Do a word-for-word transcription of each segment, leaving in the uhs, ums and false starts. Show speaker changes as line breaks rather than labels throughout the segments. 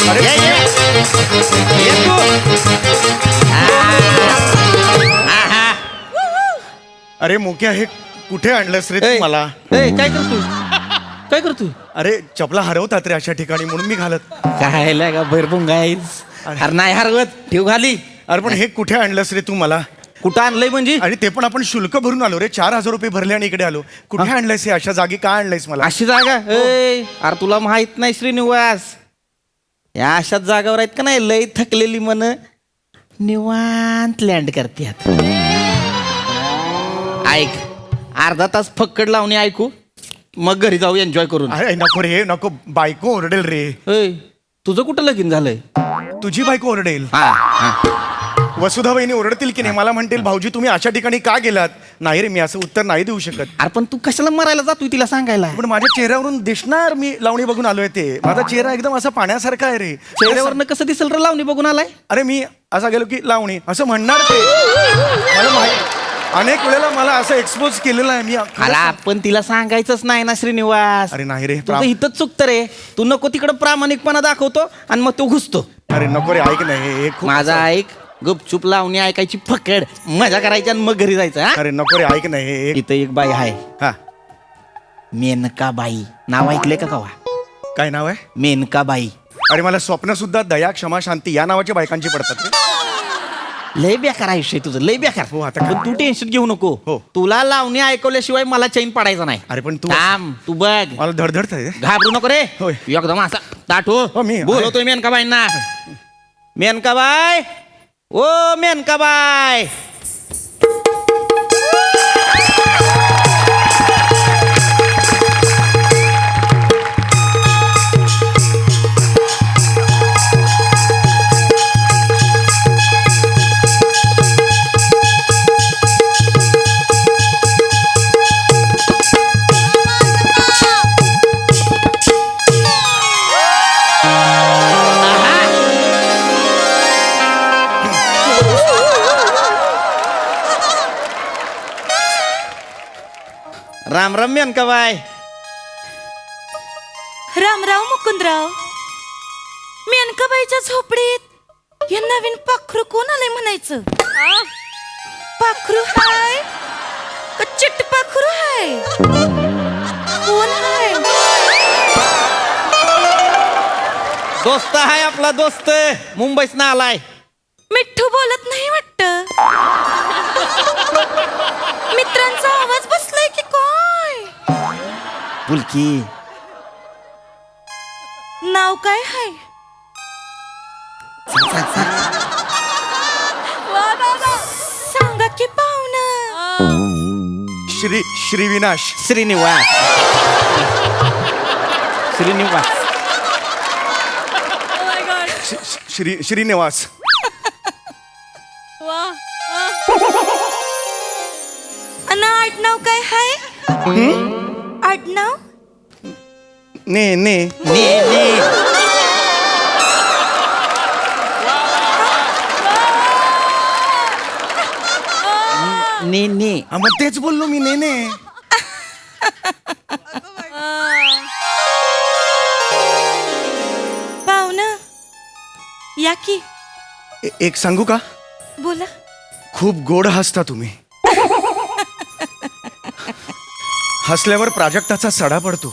अरे
ये, ये. ये तू. हा, हा.
अरे मुक्या हे कुठे आणलंस रे
ए,
तू मला?
ए, काय करतोय काय करतोय
अरे चपला हरवतात रे अशा ठिकाणी म्हणून मी घालत.
काय का भरपूर गाईस अरे नाही हरवत ठेव घाली.
अरे पण हे कुठे आणलंस रे तू मला?
कुठं आणलंय म्हणजे
आणि ते पण आपण शुल्क भरून आलो रे, चार हजार रुपये भरले आणि इकडे आलो. कुठे आणलंयस हे? अशा जागी का आणलंयस मला?
अशी जागा ए अरे तुला माहित नाही श्रीनिवास, या अशाच जागावर आहेत का नाही लय थकलेली मन निवांत लँड करतात. ऐक अर्धा तास फक्कड लावणी ऐकू मग घरी जाऊ एन्जॉय करून.
अरे नको रे नको, बायको ओरडेल रे.
ए तुझं कुठं लगीन झालंय?
तुझी बायको ओरडेल.
हा हा
वसुधा वहिनी ओरडतील की नाही, मला म्हणतील भाऊजी तुम्ही अशा ठिकाणी का गेलात. नाही रे मी असं उत्तर नाही देऊ शकत.
अरे पण तू कशाला मरायला जातोय तिला सांगायला?
पण माझ्या चेहऱ्यावरून दिसणार मी लावणी बघून आलोय ते. माझा चेहरा एकदम असा पाण्यासारखा आहे रे.
चेहऱ्यावरनं कसं दिसेल रे लावणी बघून आलाय?
अरे मी असा गेलो की लावणी असं म्हणणार ते. मला माहिती अनेक वेळेला मला असं एक्सपोज केलेलं आहे मी.
अरे आपण तिला सांगायचंच नाही ना श्रीनिवास.
अरे नाही रे
तुझं
प्राम-
इथंच चुकतं रे. तू नको तिकडं प्रामाणिकपणा दाखवतो आणि मग तो घुसतो.
अरे नको रे ऐक नाही हे खूप
माझा ऐक गुपचूप लावणी ऐकायची फकड मजा करायची आणि मग घरी जायचं. हा?
अरे नको रे ऐक नाही हे
इथं एक बाई आहे
हा
मेनका बाई. नाव ऐकले का कवा?
काय नाव आहे?
मेनका बाई.
अरे मला स्वप्न सुद्धा दया क्षमा शांती या नावाच्या बायकांची पडतात रे.
लय बेकार आयुष्य आहे तुझं लय बेकार.
हो, आता काय?
पण तू टेन्शन घेऊ नको.
हो.
तुला लावणी ऐकवल्याशिवाय मला चैन पडायचा नाही.
अरे पण तू
थांब तू बघ
मला धडधडत आहे.
घाबरू नको रे.
होय.
एकदम असा ताठो
हो, मी-
बोलवतोय मेनकाबाईंना. मेनकाबाई ओ मेनकाबाई. राम राम मेनकाबाई.
रामराव मुकुंदराव, मेनकाबाईच्या झोपडीत हे नवीन पाखरू कोण आलंय म्हणायचं? पाखरू हाय का चिट्ट पाखरू हाय? कोण हाय?
दोस्त आहे आपला दोस्त मुंबईस ना आलाय.
मिठ्ठू बोलत नाही वाटत. मित्रांचा आवाज बसलाय की काय?
बुलकी
नाव काय हाय? सांगा की पाहुणं.
श्री श्रीविनाश.
श्रीनिवास. श्रीनिवास.
श- श- श्री श्रीनिवास.
अन आडनाव काय हाय? आडनाव
ने ने
ने ने ने ने
हा, मग तेच बोललो मी ने ने.
पाहुणं या की.
ए- एक सांगू का?
बोला.
खूप गोड हसता तुम्ही. हसल्यावर प्राजक्ताचा सडा पडतो.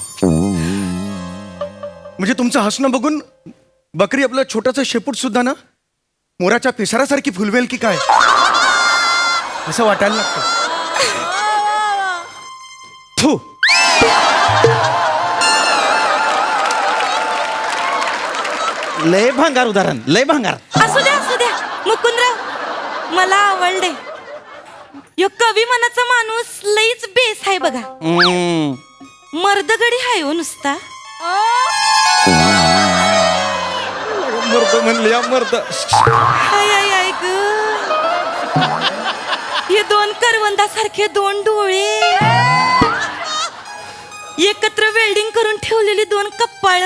म्हणजे तुमचं हसणं बघून बकरी आपलं छोटंसं शेपूट सुद्धा ना मोराच्या पिसारासारखी फुलवेल की काय असं वाटायला लागतं. थू.
लय भांगार उदाहरण लय भांगार.
असू द्या असू द्या मुकुंदराव, मला आवडले. यो कवी मनाचा माणूस लईच बेस आहे बघा.
हम्म.
मर्दगडी हाय हो नुसता.
मर्द म्हणले या मर्द.
हाय हाय हाय ग. हे दोन करवंदासारखे दोन डोळे, एकत्र वेल्डिंग करून ठेवलेली दोन कपाळ,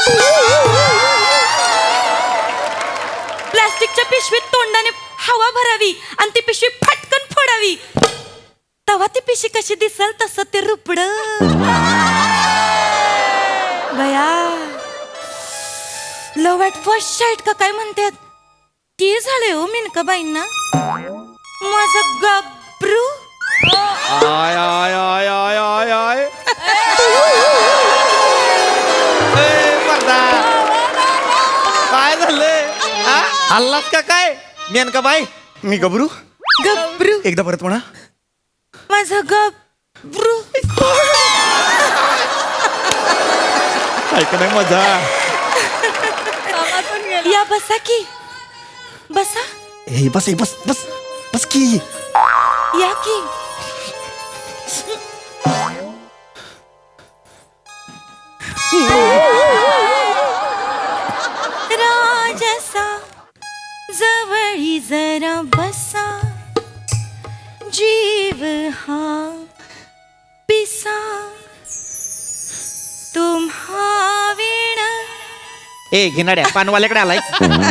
प्लास्टिकच्या पिशवीत तोंडाने हवा भरावी आणि ती पिशवी फटकन फोडावी, तेव्हा ती पिशवी कशी दिसल तसं ते रुपड. बया लव्ह ॲट फर्स्ट साईट का काय म्हणतात ते झाले हो मिनकाबाईंना. माझं गब्रू
आय आय आय आय आय आय ए, मर्दा. काय झालंय हा? हल्लात का काय मेनका बाई?
मी गबरू.
गब्रू
एकदा परत म्हणा.
माझं गब्रू.
ऐक नाही मजा.
या बसा की बसा.
हे बस हे बस बस बस की.
या की. राजसा जवळी जरा बसा जीव हा पिसा तुम्हा वीण.
ए घेणाड्या पानवाल्याकडे आलाय.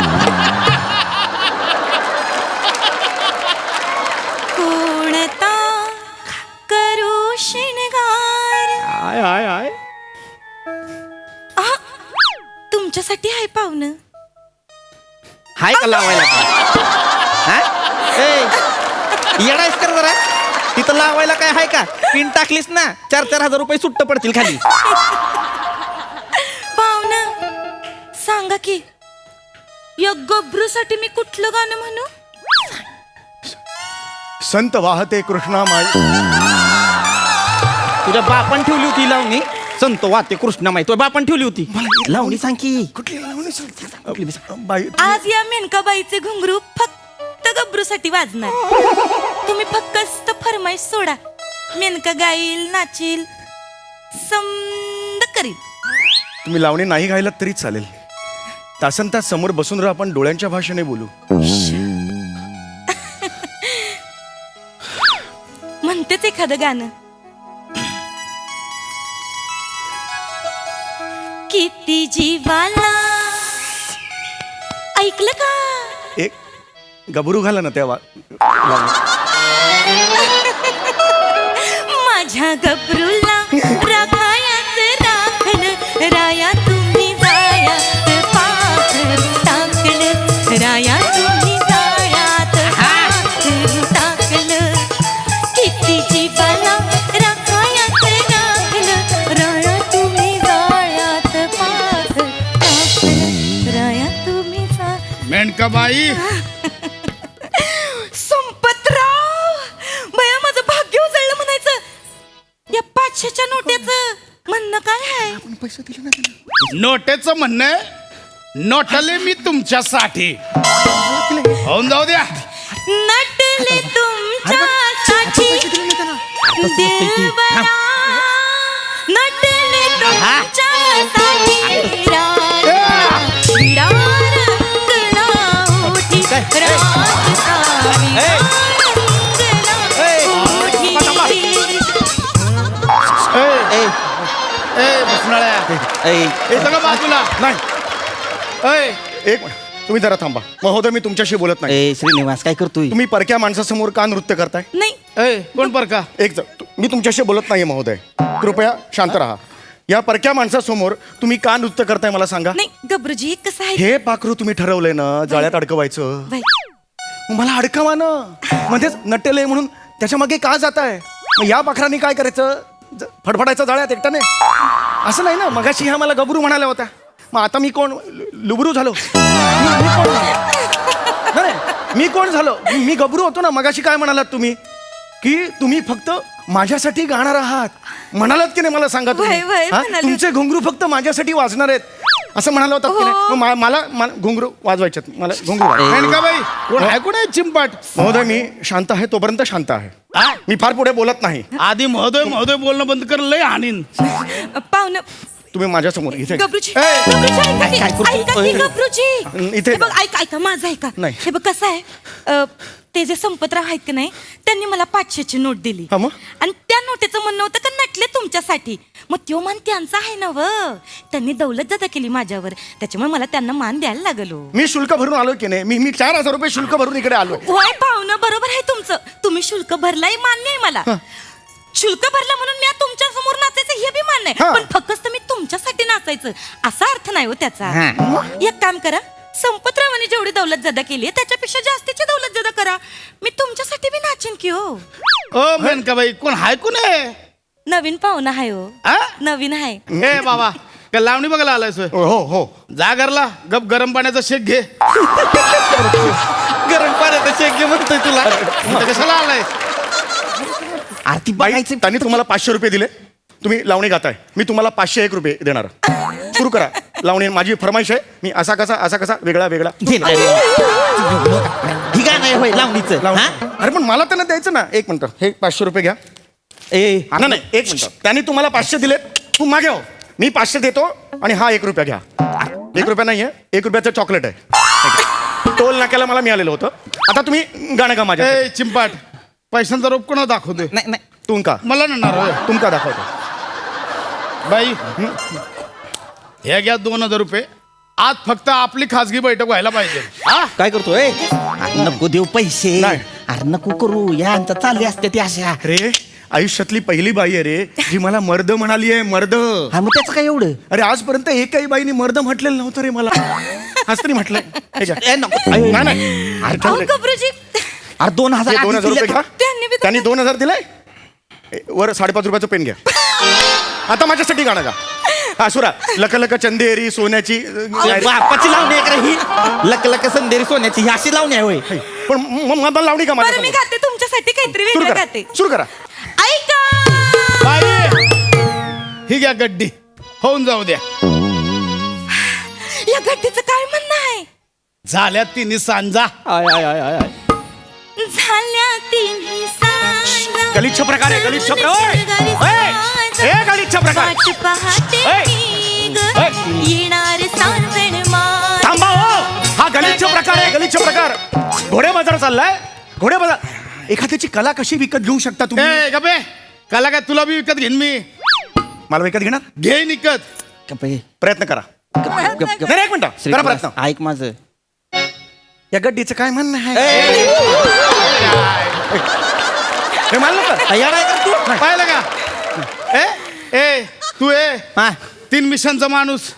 कोणता करू शिणगार.
आय आय आय
आ, तुमच्यासाठी आहे पाहुणं.
हाय का लावायला का? हा? ए येडायस कर जरा. तिथं लावायला काय हाय का? पिन टाकलीस ना चार चार हजार रुपये सुट्ट पडतील खाली.
पाहुणं सांगा की या गब्रूसाठी मी कुठलं गाणं म्हणू.
संत वाहते कृष्णा माई.
तुझ्या बापान ठेवली होती ही लावणी. संत वाते कृष्णामाई तुझ्या बापान ठेवली होती लावणी. सांग की
कुठली लावणी सांगते? बाई
आज या मेनकाबाईचे घुंगरू फक्त गब्रूसाठी वाजणार. तुम्ही फक्त फरमाईश सोडा. मेनका गाईल नाचील समद करील.
तुम्ही लावणी नाही गायलात तरी चालेल. तासन तास समोर बसून राहा, आपण डोळ्यांच्या भाषेने बोलू.
म्हणतेच एखादं गाणं. किती जीवाला ऐकलं का.
एक गबरू घाला ना त्या वा- लावणीत.
माझ्या गब्रूला राखायाच राखण राया तुम्ही जायात पाखरू टाकलं. राया तुम्ही जायात पाखरू टाकलं. किती जीवाला राखायाच राखण राया तुम्ही जायात पाखरू टाकलं. राया तुम्ही जा.
मेनकाबाई
संपतराव बया माझं भाग्य उजळलं म्हणायचं. या पाचशेच्या नोट्याचं म्हणणं काय आहे.
नोटेचं म्हणणं आहे, नोटले मी तुमच्यासाठी. होऊन जाऊ द्या.
नटले तुमच्यासाठी दिलबरा. नटले तुमच्यासाठी राजा. शिरा रंगला ओठी राजसावी रंगला ओठी.
ए,
ए
ए बसणाऱ्या
ए
येतं का बाजूला.
नाही,
ए,
एक मिनिट. तुम्ही जरा थांबा महोदय. मी तुमच्याशी बोलत नाही.
ए श्रीनिवास काय करतोय.
तुम्ही परक्या माणसासमोर का नृत्य करताय?
नाही
ए, कोण पर का.
एक ज- तु- मी तुमच्याशी बोलत नाहीये महोदय. कृपया शांत राहा. या परक्या माणसासमोर तुम्ही का नृत्य करताय मला सांगा.
नाही गब्रूजी कसं आहे.
हे पाखरू तुम्ही ठरवलंय ना जाळ्यात अडकवायचं.
बाई,
मग मला अडकवा ना. मध्येच नटेलय म्हणून त्याच्या मागे का जाताय. मग या पाखरांनी काय करायचं. ज- फडफडायचं जाळ्यात एकट्याने. असं नाही ना. मगाशी ह्या मला गबरू म्हणाल्या होत्या. मग आता मी कोण लु- लुबरू झालो. मी मी कोण नाही, नाही, मी कोण झालो. मी- मी गबरू होतो ना. मगाशी काय म्हणालात तुम्ही की तुम्ही फक्त माझ्यासाठी गाणार आहात म्हणालात की नाही मला सांगा तुम्ही.
वय, वय,
हा?
म्हणाले.
तुमचे घुंगरू फक्त माझ्यासाठी वाजणार आहेत असं म्हणाला होता की नाही.
हो.
मग मा- मला मला घुंगरू वाजवायच्यात. मला घुंगरू वाजवा.
मेनकाबाई कोण आहे, कोण आहे चिंपाट.
महोदय मी शांत आहे तोपर्यंत शांत आहे.
आ?
मी फार पुढे बोलत नाही.
आधी महोदय महोदय बोलणं बंद कर. लय हानीन.
पाहुणं
तुम्ही माझ्यासमोर इथे
गब्रूजी
ए,
गब्रूजी, ऐका की,
काय करतो?
ऐका की,
ए,
गब्रूजी.
इथे-
हे बघ ऐका ऐका माझं ऐका.
नाही.
हे बघ कसं आहे अ, ते जे संपतराव आहेत की नाही त्यांनी मला पाचशेची नोट दिली.
हा मग?
आणि त्या नोटेचं म्हणणं होतं का नटले तुमच्यासाठी. मग त्यो मान त्यांचा आहे ना व. त्यांनी दौलत जादा केली माझ्यावर. त्याच्यामुळे मला त्यांना मान द्यायला लागलो.
मी शुल्क भरून आलो की नाही. मी मी चार हजार रुपये शुल्क भरून इकडे आलोय.
होय पाहुणं बरोबर आहे तुमचं. तुम्ही शुल्क भरलाय मान्य आहे मला. शुल्क भरला म्हणून मी तुमच्या समोर नाचायचं हे बी मान्य
हा.
आहे. पण फक्त मी तुमच्यासाठी नाचत नाचायचं असा अर्थ नाही हो त्याचा.
हा.
एक काम करा, संपतरावाने जेवढी दौलत जदा केली त्याच्यापेक्षा जास्तीची दौलत जदा करा. मी तुमच्यासाठी बी नाचेन की हो.
ओ मेनकाबाई कोण हाय कोण आहे?
नवीन पाहुणा आहे हो.
आ?
नवीन आहे.
ए बाबा का लावणी बघायला आलाय सोय?
हो हो
जा घरला गप गरम पाण्याचा शेक घे.
गरम पाण्याचा शेक घे म्हणतोय तुला.
इथं कशाला आलाय?
आरती
बाई
बघायचं.
त्यांनी तुम्हाला पाचशे रुपये दिले, तुम्ही लावणी गाताय, मी तुम्हाला पाचशे एक रुपये देणार. सुरू करा लावणी. माझी फरमाईश आहे, मी असा कसा असा कसा वेगळा वेगळा
घे ना. ठीक आहे नाही होय लावणीचं.
लावणी.
हा?
अरे पण मला त्यांना द्यायचं ना. एक मिनिट, हे पाचशे रुपये घ्या.
ए
ना नाही एक मिनिट, त्यांनी तुम्हाला पाचशे दिलेत, तू मागे हो, मी पाचशे देतो आणि हा एक रुपया घ्या. एक रुपया नाही आहे, एक रुपयाचं चॉकलेट आहे. टोल नाक्याला मला मिळालेलं होतं. आता तुम्ही गाणं गा माझ्या.
ए चिंपाट पैशांचा रोप कोणा दाखवतोय?
नाही नाही
तुमका
मला नणार होय.
तुमका दाखवतो.
बाई हे घ्या दोन हजार रुपये. आज फक्त आपली खासगी बैठक व्हायला पाहिजे. हा
काय करतोय? अरे नको देऊ पैसे.
नाही.
अरे नको करू यांचा चालली असते ती अशा.
अरे आयुष्यातली पहिली बाई आहे रे जी मला मर्द म्हणाली आहे. मर्द.
हा मग त्याचं काय एवढं?
अरे आजपर्यंत एकही बाईने मर्द म्हटलेलं नव्हतं रे मला. आज तरी म्हटलंय. हे घ्या.
ए, नको.
नाही, नाही. अरे
अहो
ठेव रे.
गबरूजी,
अरे दोन हजार
हे दोन हजार रुपये घ्या.
त्यांनी बी
त्यांनी दोन हजार दिलाय. ए, वर साडेपाच रुपयाचं पेन घ्या. आता माझ्यासाठी गाणं गा. हा सुरा लक लक चंदेरी सोन्याची
अरे बापाची लावणी आहे का रे ही? लक लक संदेरी सोन्याची ही अशी लावणी आहे होय.
पण म- म- मला लावणी का
बरं मी
माझ्या
गाते तुमच्यासाठी काहीतरी
सुरू
वेगळं
करा
गाते.
सुरू करा.
ऐका
बाई ही घ्या गड्डी होऊन जाऊ द्या.
या गड्डीचं काय म्हणणं आहे?
झाल्या तिन्ही सांजा.
आय आय आय आय आय.
झाल्या तिन्ही सांजा.
गलिच्छ प्रकार आहे, गलिच्छ प्रकार. ओय! ओय! ए, गलिच्छ प्रकार.
वाट पाहते
ओय!
मी ग,
ओय!
येणार सावण मास.
थांबा हो. हा गलिच्छ प्रकार आहे, गलिच्छ प्रकार. घोडे बाजार चाललाय. घोडे बाजार. एखाद्याची कला कशी विकत घेऊ शकता तुम्ही?
ए गपे काला काय तुला बी विकत घेईन मी.
मला विकत घेणार?
घे विकत.
गप आहे.
प्रयत्न करा.
गप, गप, गप.
नाही नाही, एक मिनिट करा प्रयत्न.
ऐक माझं.
या गड्डीचं काय म्हणणं आहे?
ए,
हे मानलं का?
येडा आहे का तू?
पाहिलं का? ए ए तू ए
हा.
तीन मिशनचा माणूस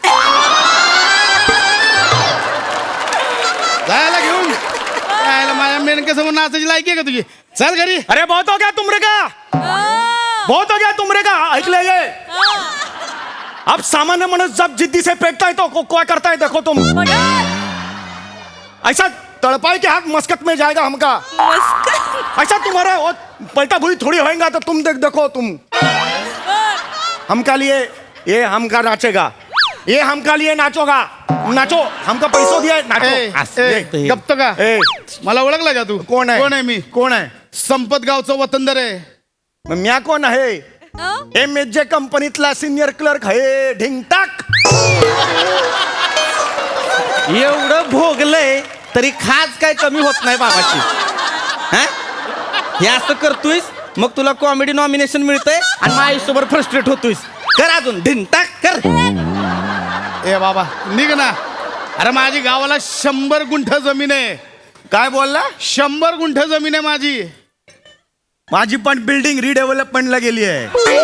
जायला घेऊन जायला माझ्या मेनके समोर नाचायची लायकी आहे का तुझी? चल घरी.
अरे बहुत हो गया तुमरे का, बहुत हो गया तुमरे का. ऐकलं ये अब सामान्य माणूस जब जिद्दी से फेंकता है तो को, क्या करता है देखो तुम. ऐसा तड़पाई के हाथ मस्कत में जाएगा हमका. ऐसा तुम्हारा वो पलटा भूरी थोड़ी होएगा तो तुम देख देखो तुम. हमका लिए ये हमका नाचेगा, ये हमका लिए नाचोगा. नाचो, हमका पैसो दिया है,
ए,
नाचो.
ए, गप्प का?
ए,
मला ओळखला का तू?
कोण आहे?
कोण आहे मी?
कोण आहे?
संपत गावचं वतनदार आहे.
मग म्या कोण आहे? एम एच जे कंपनीतला सिनियर क्लर्क आहे. ढिंगटाक.
एवढं भोगलंय तरी खास काय कमी होत नाही बाबाची. हा? हे असं करतोयस मग तुला कॉमेडी नॉमिनेशन मिळतंय आणि मग आयुष्यभर फ्रस्ट्रेट होतोयस. कर अजून ढिंटाक कर.
ए बाबा निघ ना. अरे माझी गावाला शंभर गुंठ जमीन आहे.
काय बोलला?
शंभर गुंठ जमीन आहे माझी.
माझी पण बिल्डिंग रिडेव्हलपमेंटला गेली आहे.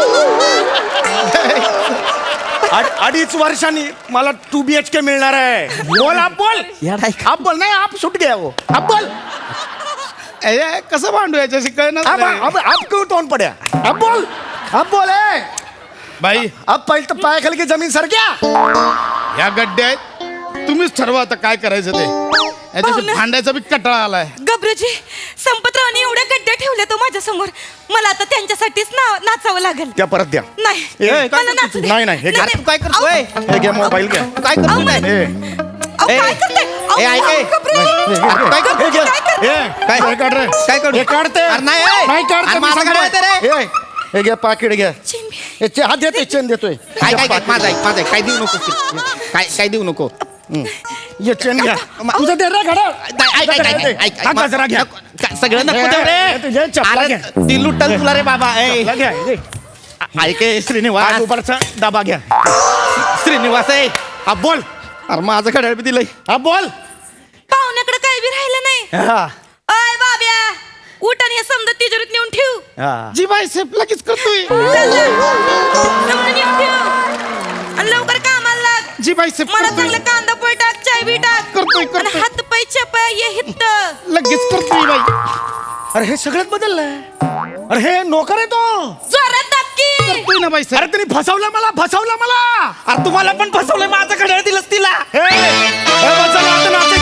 अड- अडीच वर्षांनी मला टू बी एच के मिळणार आहे. बोल आप बोल.
येडा आहे का?
आप बोल. नाही आप सुट गया वो. आप बोल.
ए, ए, कसं भांडू याच्याशी
अब
कळणार
अब आप क्यों टोन पड्या? आप बोल. आप बोल. ए.
बाई
अब पहिले तर पाय खाली की जमीन सरक्या.
या गड्ड्या आहेत. तुम्हीच ठरवा आता काय करायचं ते. याच्याशी
पाहुणं.
भांडायचा बी कटाळा आलाय.
गबरूजी, संपतरावने एवढ्या गड्ड्या ठेवल्या तो माझ्या समोर. मला आता त्यांच्यासाठीच ना नाचावं लागेल.
त्या परत द्या.
नाही
ए, काय
मला
करतो
नाचू
तू?
दे.
नाही, नाही, हे घे.
नाही,
तू काय करतोय?
अहो,
हे घ्या मोबाईल घ्या.
काय करतो काय?
ए,
अहो,
ए,
काय करताय? अहो,
ए, ऐक, ए.
गबरूजी.
अरे, काय करतो?
हे घे.
काय करतो?
ए,
काय?
हे काढ रे.
काय काढू?
हे काढते.
अरे नाही, ए.
नाही काढते.
अरे
मी
माझं
सांगतोय.
काढायचं रे.
ए, हे घ्या पाकिट घ्या.
चिंबी.
हे चे- हात देतोय चेन देतोय.
काय काय काय माझं ऐक माझं ऐक. काय देऊ नको काय काय देऊ नको.
ये चेन घ्या. तुझं दे रे घडा.
नाही, ऐक ऐक ऐक ऐक ऐक.
हा गजरा घ्या.
काय, सगळं नको देऊ
हे तुझे
रे.
चपला
अरे,
घ्या.
ती लुटल तुला रे बाबा. ए,
चपला घ्या. हे.
ऐक ए,
हा
श्रीनिवास
दुपारचा डबा घ्या.
श्रीनिवास आहे.
हा बोल.
अरे माझं घड्याळ बी दिलंय.
हा बोल.
पाहुण्याकडे काय बी राहिलं नाही.
हा.
अय बाब्या, उठ आणि हे समजा तिजोरीत नेऊन ठेव.
हा.
जी बाई सेफ लगेच करतोय.
समजा नेऊन ठेव आणि लवकर कामाला
जी बायसेप
मला चांगलं कांदा पोय टाक चाय बी टाक
करतोय,
आणि
करतोय.
हात पाय चपाय ये हित
लगेच करतोय बाई.
अरे हे सगळ्यात बदललंय. अरे हे नोकर आहे तो.
जोरात टाक की
करतोय ना बायसेप.
अरे त्यांनी फसवलं मला फसवलं मला.
अरे तुम्हाला पण फसवलंय माझं घड्याळ दिलंस तिला
हे हे बस झालं, आता नाचायचं